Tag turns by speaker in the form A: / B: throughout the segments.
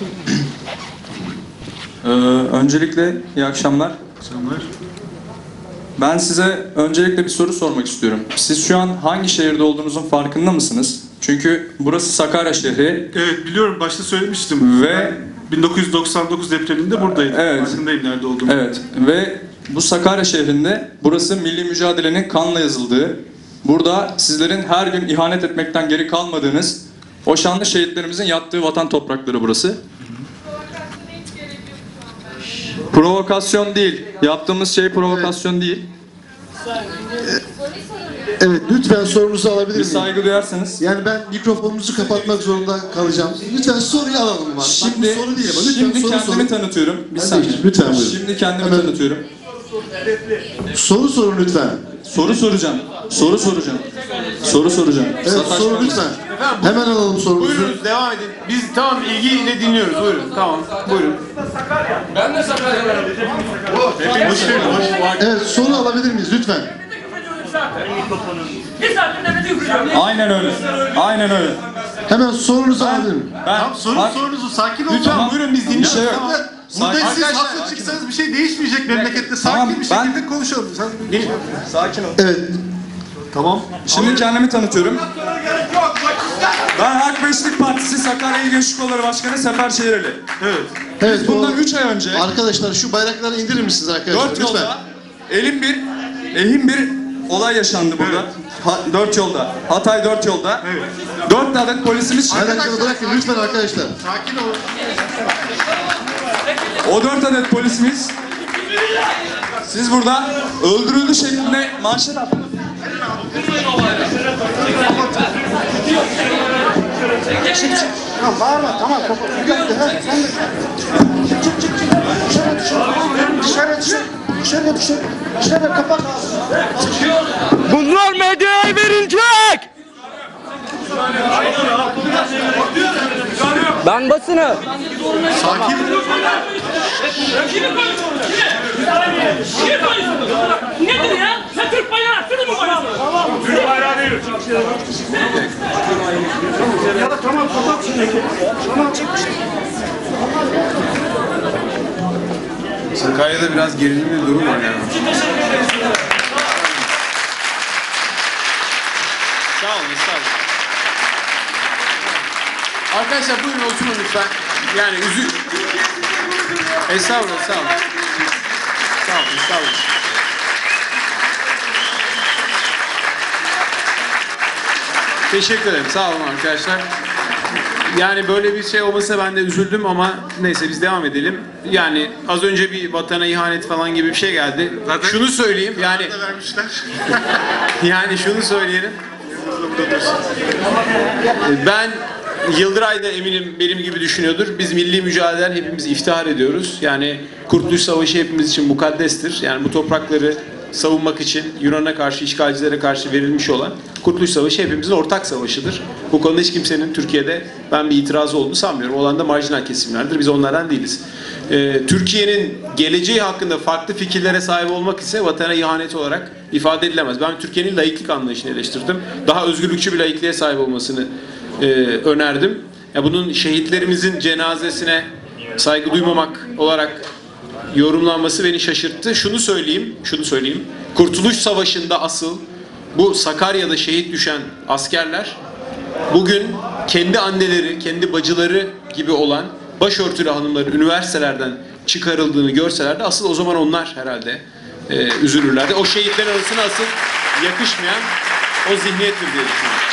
A: Öncelikle iyi akşamlar. Ben size öncelikle bir soru sormak istiyorum. Siz şu an hangi şehirde olduğunuzun farkında mısınız? Çünkü burası Sakarya şehri.
B: Evet, biliyorum, başta söylemiştim.
A: Ve
B: 1999 depreminde buradaydım.
A: Evet.
B: Farkındayım nerede olduğumu.
A: evet, ve bu Sakarya şehrinde burası milli mücadelenin kanla yazıldığı, burada sizlerin her gün ihanet etmekten geri kalmadığınız, o şanlı şehitlerimizin yattığı vatan toprakları burası. Provokasyon değil. Yaptığımız şey provokasyon değil.
C: Evet, lütfen sorunuzu alabilir
A: Bir
C: miyim?
A: saygı duyarsanız.
C: Yani ben mikrofonunuzu kapatmak zorunda kalacağım. Lütfen soruyu alalım mı?
A: Şimdi,
C: Bak, bu soru değil ama lütfen
A: şimdi
C: soru
A: kendimi
C: sorun.
A: tanıtıyorum. Bir
C: Hadi,
A: saniye.
C: lütfen buyurun.
A: Şimdi kendimi
C: Hemen.
A: tanıtıyorum.
C: Soru sorun lütfen.
A: Soru soracağım. Soru soracağım. Soru soracağım.
C: Evet,
A: Sataşma.
C: soru lütfen. Hemen alalım sorunuzu.
D: Buyurunuz, devam edin. Biz tamam, ilgiyle dinliyoruz. Buyurun, tamam. Buyurun.
C: Evet, soru alabilir miyiz lütfen?
A: Aynen öyle. Aynen öyle.
C: Hemen sorunuzu alabilir miyim?
A: Ben
B: Sorunuzu sakin olun.
D: Lütfen buyurun, biz
A: bir
D: dinliyoruz.
A: şey yok.
D: Tamam.
B: Burada
A: Sakin-
B: siz
D: Arkadaşlar,
B: haklı çıksanız bir şey değişmeyecek memlekette. Sakin
A: Tamam,
B: bir
A: ben-
B: şekilde konuşalım.
A: Sakin ol.
C: Evet,
B: Tamam.
A: Şimdi kendimi tanıtıyorum. Ben Halk Beşlik Partisi Sakarya İl Gençlik Kolları Başkanı Sefer Şehirli.
B: Evet.
C: evet.
A: Bundan 3 ay önce
C: Arkadaşlar şu bayrakları indirir misiniz arkadaşlar?
A: 4
C: lütfen.
A: yolda ehim bir olay yaşandı burada. 4 yolda. Hatay 4 yolda.
B: Evet.
A: 4 adet polisimiz
C: Bayrakları bırakın lütfen arkadaşlar.
B: Sakin olun.
A: O 4 adet polisimiz siz burada öldürüldü şeklinde manşet attınız.
C: Tamam bağırma tamam. Dışarı kapat.
E: Bunlar medyaya verilecek. Ben basını.
B: Sakin.
F: Nedir ya? Sen Türk bayrağı attın mı bayrağı? Tamam. Türk bayrağı değil.
C: Tamam kapat şunu. Tamam çek.
D: Sakarya'da biraz gerilimli bir durum var yani. Sağ olun, sağ olun. Arkadaşlar buyurun oturun lütfen. Yani Estağfurullah, sağ olun. Sağ olun, sağ olun. Teşekkür ederim, sağ olun arkadaşlar. Yani böyle bir şey olmasa ben de üzüldüm ama neyse biz devam edelim. Yani az önce bir vatana ihanet falan gibi bir şey geldi.
B: Zaten
D: şunu söyleyeyim yani
B: Da vermişler.
D: yani şunu söyleyelim. Ben Yıldıray da eminim benim gibi düşünüyordur. Biz milli mücadeleden hepimiz iftihar ediyoruz. Yani Kurtuluş Savaşı hepimiz için mukaddestir. Yani bu toprakları savunmak için Yunan'a karşı, işgalcilere karşı verilmiş olan Kurtuluş Savaşı hepimizin ortak savaşıdır. Bu konuda hiç kimsenin Türkiye'de ben bir itirazı olduğunu sanmıyorum. Olan da marjinal kesimlerdir. Biz onlardan değiliz. Türkiye'nin geleceği hakkında farklı fikirlere sahip olmak ise vatana ihanet olarak ifade edilemez. Ben Türkiye'nin laiklik anlayışını eleştirdim. Daha özgürlükçü bir laikliğe sahip olmasını önerdim. Ya bunun şehitlerimizin cenazesine saygı duymamak olarak yorumlanması beni şaşırttı. Şunu söyleyeyim. Kurtuluş Savaşı'nda asıl bu Sakarya'da şehit düşen askerler bugün kendi anneleri, kendi bacıları gibi olan başörtülü hanımların üniversitelerden çıkarıldığını görselerdi asıl o zaman onlar herhalde üzülürlerdi. O şehitlerin arasına asıl yakışmayan o zihniyettir diye düşünüyorum.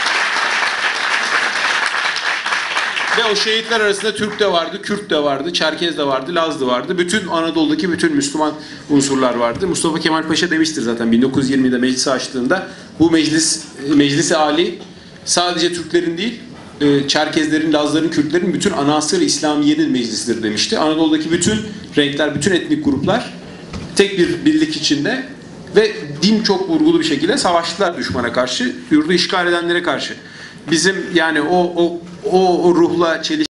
D: Ve o şehitler arasında Türk de vardı, Kürt de vardı, Çerkez de vardı, Laz da vardı. Bütün Anadolu'daki bütün Müslüman unsurlar vardı. Mustafa Kemal Paşa demiştir zaten 1920'de meclisi açtığında bu meclisi âli sadece Türklerin değil, Çerkezlerin, Lazların, Kürtlerin bütün anasır-ı İslamiye'nin meclisidir demişti. Anadolu'daki bütün renkler, bütün etnik gruplar tek bir birlik içinde ve din çok vurgulu bir şekilde savaştılar düşmana karşı, yurdu işgal edenlere karşı. Bizim yani o ruhla çelişki